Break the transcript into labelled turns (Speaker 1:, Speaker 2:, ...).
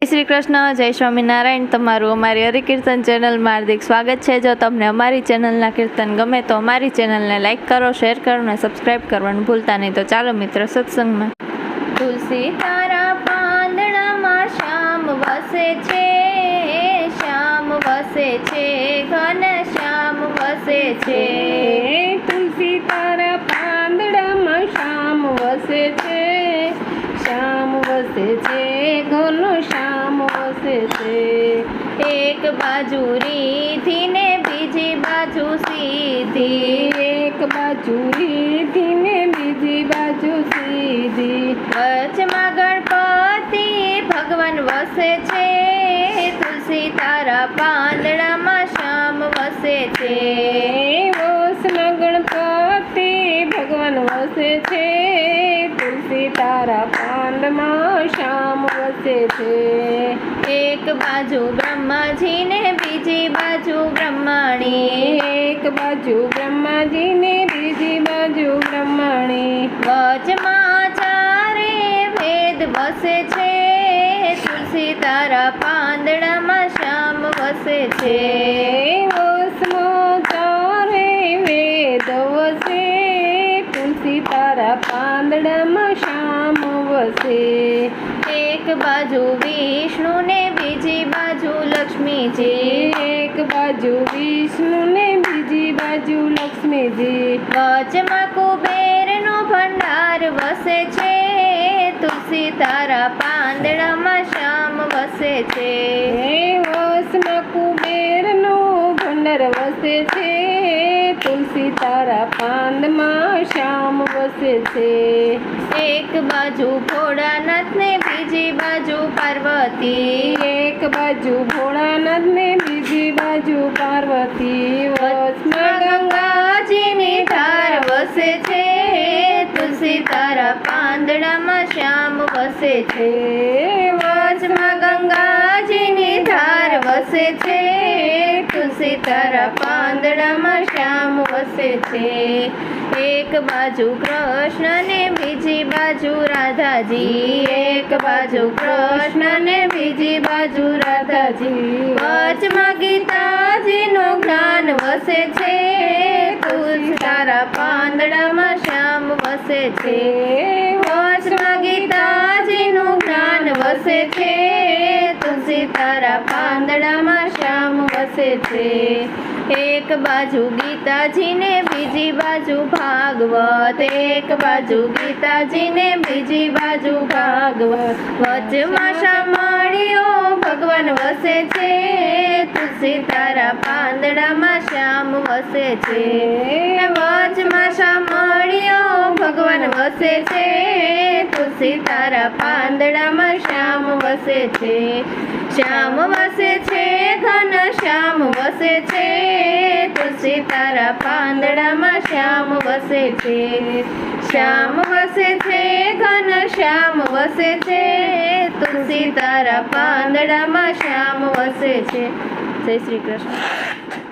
Speaker 1: શ્રી કૃષ્ણ, જય સ્વામિનારાયણ। તમારું અમારી હરિકીર્તન ચેનલમાં હાર્દિક સ્વાગત છે। જો તમને અમારી ચેનલના કીર્તન ગમે તો અમારી ચેનલને લાઇક કરો, શેર કરો અને સબસ્ક્રાઈબ કરવાનું ભૂલતા નહીં। તો ચાલો મિત્ર સત્સંગમાં। તુલસી તારા પાંદડામાં શ્યામ વસે છે, શ્યામ વસે છે, ઘન શ્યામ વસે છે।
Speaker 2: તુલસી તારા પાંદડામાં શ્યામ વસે છે, શ્યામ વસે છે, ઘનો શ્યામ વસે છે।
Speaker 1: એક બાજુ રીધી ને બીજી બાજુ સીધી,
Speaker 2: એક બાજુ રીધી ને બીજી બાજુ સીધી,
Speaker 1: વચમાં ગણપતિ ભગવાન વસે છે, તુલસી તારા પાંદડામાં શ્યામ વસે છે।
Speaker 2: વસમાં ગણપતિ ભગવાન વસે છે, તુલસી તારા પાંદમાં શ્યામ વસે છે।
Speaker 1: એક બાજુ બ્રહ્માજી ને બીજી બાજુ બ્રહ્માણી,
Speaker 2: એક બાજુ બ્રહ્માજી ને બીજી બાજુ બ્રહ્માણી,
Speaker 1: વચમાં ચારે વેદ વસે છે, તુલસી તારા પાંદડામાં શ્યામ વસે છે।
Speaker 2: વસમાં ચારે વેદ વસે, તુલસી તારા પાંદડામાં શ્યામ વસે।
Speaker 1: એક બાજુ વિષ્ણુ ને બીજી બાજુ લક્ષ્મીજી,
Speaker 2: એક બાજુ વિષ્ણુ ને બીજી બાજુ લક્ષ્મીજી,
Speaker 1: વચમાં કુબેરનો ભંડાર વસે છે, તુલસી તારા પાંદડામાં શ્યામ વસે છે।
Speaker 2: વસમાં કુબેરનો ભંડાર વસે છે, તુલસી તારા પાંદમાં શ્યામ વસે છે।
Speaker 1: એક બાજુ ભોળાનાથ ને બીજી બાજુ પાર્વતી,
Speaker 2: એક બાજુ ભોળાનાથ ને બીજી બાજુ પાર્વતી,
Speaker 1: વચમાં ગંગાજીની ધાર વસે છે, તુલસી તારા પાંદડામાં શ્યામ વસે છે। વચમાં ગંગાજીની ધાર વસે છે, તુલસી તારા પાંદડામાં શ્યામ વસે છે। એક બાજુ કૃષ્ણ ને બીજી બાજુ રાધાજી, એક બાજુ કૃષ્ણ ને બીજી બાજુ રાધાજી, વચમાં ગીતાજીનું જ્ઞાન વસે છે, તુલસી તારા પાંદડામાં શ્યામ વસે છે। વચમાં ગીતાજીનું જ્ઞાન વસે છે, તુલસી તારા પાંદડામાં શ્યામ વસે છે। એક બાજુ ગીતાજી ને બીજી બાજુ ભાગવત, એક બાજુ ગીતાજી ને બીજી બાજુ ભાગવત, વચમાં શામળીઓ ભગવાન વસે છે, તુલસી તારા પાંદડામાં શ્યામ વસે છે। વચમાં શામળીઓ ભગવાન વસે છે, તુલસી તારા પાંદડામાં શ્યામ વસે છે। શ્યામ વસે છે, ઘન શ્યામ વસે છે, તુલસી તારા પાંદડામાં શ્યામ વસે છે। શ્યામ વસે છે, ઘન શ્યામ વસે છે, તુલસી તારા પાંદડામાં શ્યામ વસે છે। જય શ્રી કૃષ્ણ।